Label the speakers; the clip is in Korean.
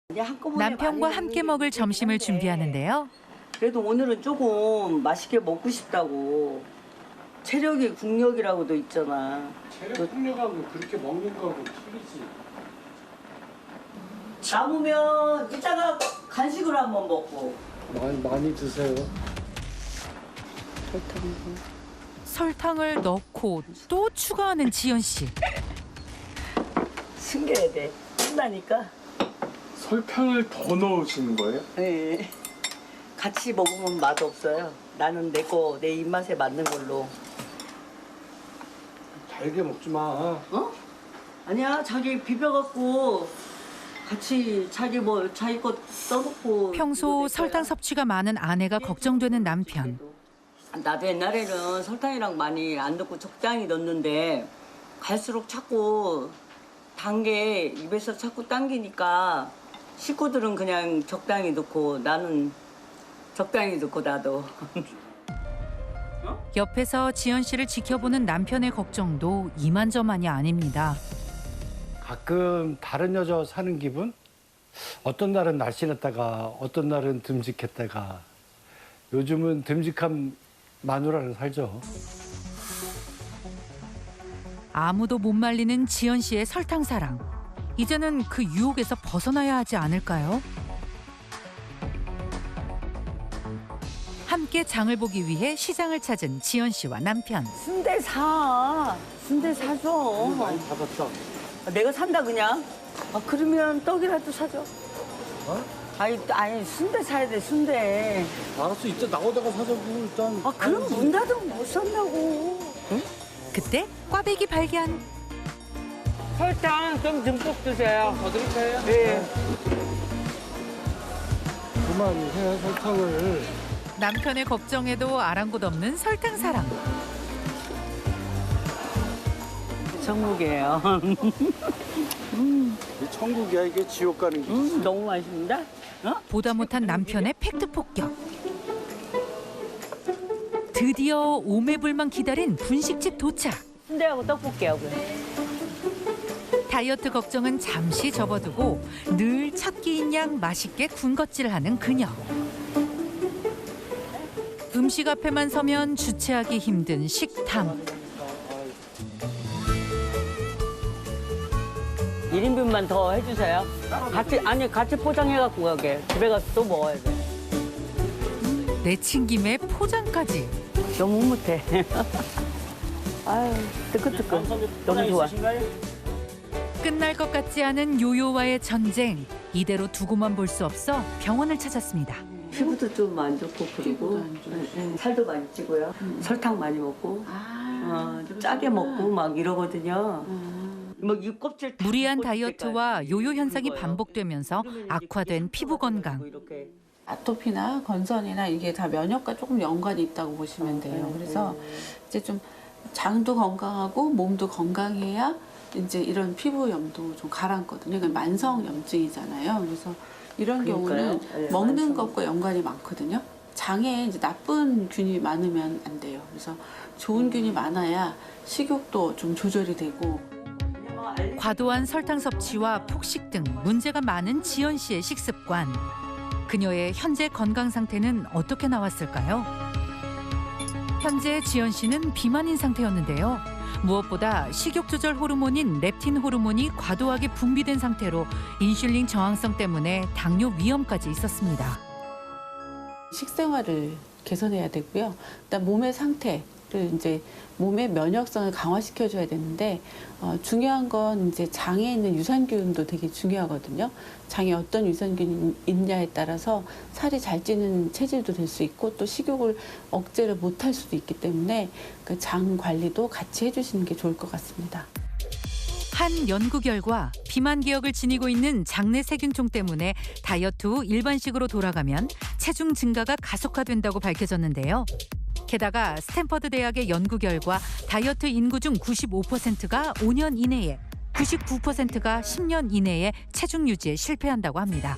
Speaker 1: 남편과 함께 먹을 점심을 준비하는데요.
Speaker 2: 그래도 오늘은 조금 맛있게 먹고 싶다고. 체력이 국력이라고도 있잖아.
Speaker 3: 체력 풍력하고 그렇게 먹는 거하고 틀리지.
Speaker 2: 남으면 이따가 간식으로 한번 먹고.
Speaker 3: 많이 드세요.
Speaker 1: 설탕을 넣고 또 추가하는 지연 씨.
Speaker 2: 숨겨야 돼. 신나니까.
Speaker 3: 설탕을 더 넣으시는 거예요?
Speaker 2: 네. 같이 먹으면 맛 없어요. 나는 내 입맛에 맞는 걸로.
Speaker 3: 달게 먹지 마.
Speaker 2: 어? 아니야, 자기 비벼갖고 같이 자기 것 써놓고.
Speaker 1: 평소 설탕 섭취가 많은 아내가 걱정되는 남편.
Speaker 2: 나도 옛날에는 설탕이랑 많이 안 넣고 적당히 넣었는데 갈수록 자꾸 단 게 입에서 자꾸 당기니까 식구들은 그냥 적당히 넣고 나는 적당히 넣고 나도.
Speaker 1: 옆에서 지연 씨를 지켜보는 남편의 걱정도 이만저만이 아닙니다.
Speaker 3: 가끔 다른 여자 사는 기분? 어떤 날은 날씬했다가 어떤 날은 듬직했다가 요즘은 듬직한 마누라를 살죠.
Speaker 1: 아무도 못 말리는 지연 씨의 설탕 사랑. 이제는 그 유혹에서 벗어나야 하지 않을까요? 함께 장을 보기 위해 시장을 찾은 지연 씨와 남편.
Speaker 2: 순대 사. 순대 사줘.
Speaker 3: 많이 받았다.
Speaker 2: 내가 산다 그냥. 아 그러면 떡이라도 사줘.
Speaker 3: 어?
Speaker 2: 아니 순대 사야 돼 순대.
Speaker 3: 알았어, 이따 나오다가 사자고 일단.
Speaker 2: 아 그럼 문 닫으면 못 산다고. 응?
Speaker 1: 그때 꽈배기 발견.
Speaker 2: 설탕 좀 듬뿍 주세요.
Speaker 3: 더 드릴까요?
Speaker 2: 네.
Speaker 3: 그만해, 설탕을.
Speaker 1: 남편의 걱정에도 아랑곳 없는 설탕 사랑.
Speaker 2: 전국이에요.
Speaker 3: 이 천국이야, 이게 지옥 가는 길.
Speaker 2: 너무 맛있는데? 어?
Speaker 1: 보다 못한 남편의 팩트 폭격. 드디어 오매불만 기다린 분식집 도착.
Speaker 2: 순대하고 떡볶이하고.
Speaker 1: 다이어트 걱정은 잠시 접어두고 늘 첫 끼인 양 맛있게 군것질하는 그녀. 음식 앞에만 서면 주체하기 힘든 식탐.
Speaker 2: 1인분만 더 해주세요. 같이 포장해갖고 가게. 집에 가서 또 먹어야 돼.
Speaker 1: 내친김에 포장까지.
Speaker 2: 너무 못해. 아유, 뜨끈뜨끈. 너무 좋아.
Speaker 1: 끝날 것 같지 않은 요요와의 전쟁. 이대로 두고만 볼 수 없어 병원을 찾았습니다.
Speaker 2: 피부도 좀 안 좋고 그리고 살도 많이 찌고요. 설탕 많이 먹고 좀 짜게 먹고 막 이러거든요. 뭐 껍질 다
Speaker 1: 무리한
Speaker 2: 벗길
Speaker 1: 다이어트와
Speaker 2: 때까지
Speaker 1: 요요 현상이
Speaker 2: 거예요.
Speaker 1: 반복되면서
Speaker 2: 그러면 이제
Speaker 1: 악화된 피부 건강.
Speaker 2: 이렇게.
Speaker 4: 아토피나 건선이나 이게 다 면역과 조금 연관이 있다고 보시면 돼요. 그래서 이제 좀 장도 건강하고 몸도 건강해야 이제 이런 피부염도 좀 가라앉거든요. 그러니까 만성 염증이잖아요. 그래서 이런
Speaker 2: 그러니까요.
Speaker 4: 경우는
Speaker 2: 네,
Speaker 4: 먹는
Speaker 2: 만성.
Speaker 4: 것과 연관이 많거든요. 장에 이제 나쁜 균이 많으면 안 돼요. 그래서 좋은 균이 많아야 식욕도 좀 조절이 되고.
Speaker 1: 과도한 설탕 섭취와 폭식 등 문제가 많은 지연 씨의 식습관. 그녀의 현재 건강 상태는 어떻게 나왔을까요? 현재 지연 씨는 비만인 상태였는데요. 무엇보다 식욕 조절 호르몬인 렙틴 호르몬이 과도하게 분비된 상태로 인슐린 저항성 때문에 당뇨 위험까지 있었습니다.
Speaker 4: 식생활을 개선해야 되고요. 일단 몸의 상태를 이제 몸의 면역성을 강화시켜줘야 되는데 중요한 건 이제 장에 있는 유산균도 되게 중요하거든요. 장에 어떤 유산균이 있냐에 따라서 살이 잘 찌는 체질도 될 수 있고 또 식욕을 억제를 못할 수도 있기 때문에 그 장 관리도 같이 해주시는 게 좋을 것 같습니다.
Speaker 1: 한 연구 결과 비만 기억을 지니고 있는 장내 세균총 때문에 다이어트 후 일반식으로 돌아가면 체중 증가가 가속화된다고 밝혀졌는데요. 게다가 스탠퍼드 대학의 연구 결과 다이어트 인구 중 95%가 5년 이내에, 99%가 10년 이내에 체중 유지에 실패한다고 합니다.